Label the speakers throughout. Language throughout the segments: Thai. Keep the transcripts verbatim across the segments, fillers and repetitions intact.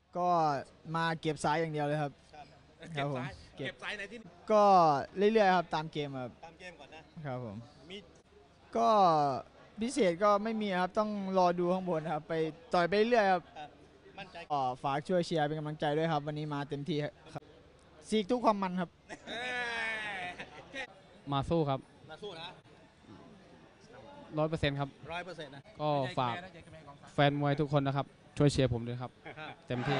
Speaker 1: ก็มาเก็บซ้ายอย่างเดียวเลยครับ
Speaker 2: เก็บซ้ายเก็บซ้ายในที่
Speaker 1: ก็เรื่อยๆครับตามเกมครับ
Speaker 2: ตามเกมก่อน
Speaker 1: นะครับผม
Speaker 2: มี
Speaker 1: ก็พิเศษก็ไม่มีครับต้องรอดูข้างบนครับไปต่อยไปเรื่อยครับ
Speaker 2: มั่นใจ
Speaker 1: ก็ฝากช่วยเชียร์เป็นกำลังใจด้วยครับวันนี้มาเต็มที่ครับซีกทุกความมันครับ
Speaker 3: มาสู้ครับ
Speaker 2: มาสู้นะ
Speaker 3: ร้อยเปอร์เซ็นต์ครับ
Speaker 2: ร้อยเปอร์เซ็นต์นะ
Speaker 3: ก็ฝากแฟนมวยทุกคนนะครับช่วยเชียร์ผมด้วยครับเต็มที่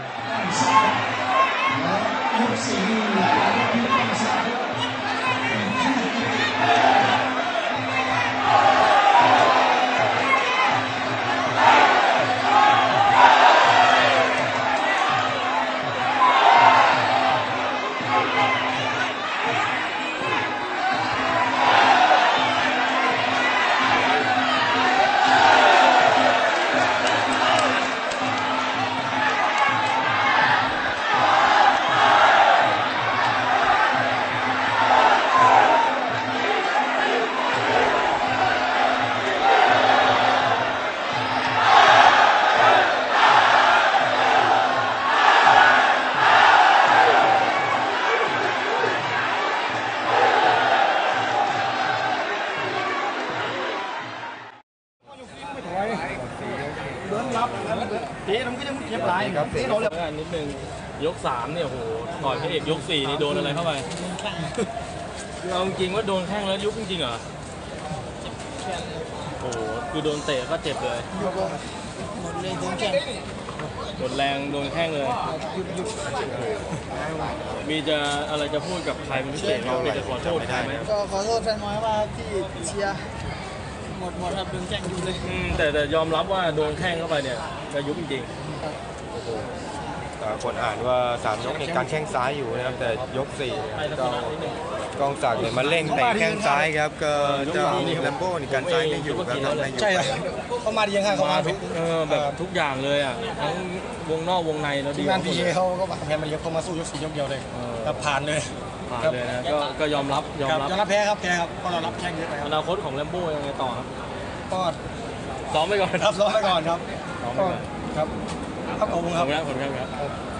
Speaker 2: เดินรับเจ๊มันก็ยังเจ็บหลายครับเจ๊เราเลย
Speaker 4: นิดนึงยกสามเนี่ยโหต่อยพระเอกยกสี่นี่โดนอะไรเข้าไปเราจริงว่าโดนแข้งแล้วยุบจริงๆเหรอโอ้โหคือโดนเตะก็เจ็บเลย
Speaker 1: หมดเลยโดนแข้ง
Speaker 4: หมดแรงโดนแข้งเลยมีจะอะไรจะพูดกับใครเป็นพิเศษไหมมีจะขอโทษใครไหม
Speaker 1: ก็ขอโทษแฟนมวยว่าที่เชียร์หมดหมดครับโดนแข้งอยู่เลย
Speaker 4: แต่แต่ยอมรับว่าโดนแข้งเข้าไปเนี่ยจะยุบจริงๆโอ้โห
Speaker 5: คนอ่านว่าสามยกในการแข้งซ้ายอยู่นะครับแต่ยกสี่ก็กองศักดิ์เนี่ยมาเร่งแต่แข้งซ้ายครับก็เจ้าแลมโบ้ในการซ้ายไม่อยู่ครับทำอะไรอยู่
Speaker 1: ใช่เขามาดียังไงเขามา
Speaker 4: ทุกแบบทุกอย่างเลยอ่ะทั้งวงนอกวงในแล้วดี
Speaker 1: งานพีเอเขาก็แพ้มาเยอะเขามาสู้ยกสี่ยกเดียวเลยแต่ผ่านเลย
Speaker 4: ผ่านเลยนะก็ยอมรับยอมรับ
Speaker 1: ยอมรับแพ้ครับแพ้ครับเพราะเรารับแข้งเยอะไป
Speaker 4: อนาคตของแลมโบ้ยังไงต่อครับ
Speaker 1: ก็
Speaker 4: ซ้อมไปก่อน
Speaker 1: ครับซ้อมไปก่อนครับครับครับขอบคุณครับ
Speaker 4: ขอบคุณครับ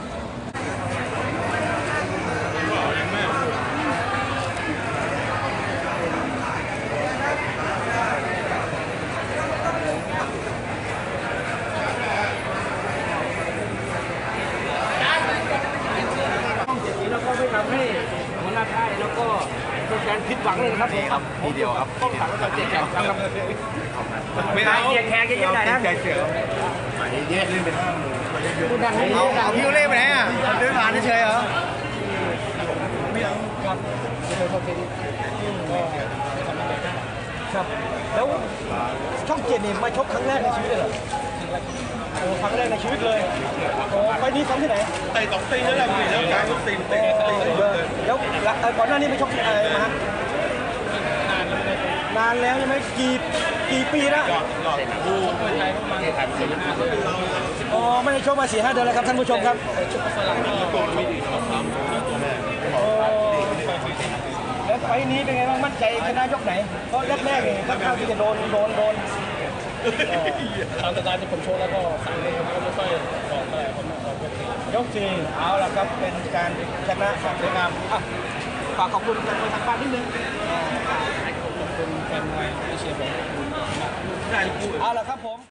Speaker 6: แล้วก็ไม่ทำให้หัวหน้าค่ายแล้วก็แฟนผิดหวังเลยนะครับ
Speaker 5: ครับทีเดียวครับ
Speaker 6: ต้องถามว่าเจ็บจังครับ
Speaker 5: ไม่เอา
Speaker 6: เกียร์แขกเยอะๆหน่อยนะ
Speaker 5: ใจเสือหมายเยอะเล่นเป็นห้าหมื่น
Speaker 1: เอาเอาพี่เล่ไปไหนอ่ะเดินผ่านเฉยเหรอไม่เอาครับครับแล้วช่องเจ็ดนี่มาชกครั้งแรกในชีวิตเลยเหรอโอ้ครั้งแรกในชีวิตเลยโอ้ไปนี้ซ้อมที่ไหน
Speaker 2: ไต่สองตีแล้วแหละพี่แล้วการตีเตะตี
Speaker 1: แล้วก่อนหน้านี้ไปชกที่ไหนมานานแล้วใช่ไหมกี่กี่ปีนะอ๋อไม่ได้ชกมาสี่ห้าเดือนแล้วครับท่านผู้ชมครับแล้วไฟนี้เป็นไงบ้างมั่นใจชนะยกไหนเพราะแรกๆเนี่ยค่อนข้างที่จะโดนโดนโดน
Speaker 4: ตามสไตล์ที่ผมโชว์แล้วก็สั่งเลยผมก็ไม่ค่อยออกอะไรผมออก
Speaker 1: ยกสี่เอาละครับเป็นการชนะแบบสวยงามฝากขอบคุณแฟนมวยทางบ้านนิดนึง
Speaker 4: ขอบคุณแฟนมวยที่เชียร์ผม
Speaker 1: เอาละครับผม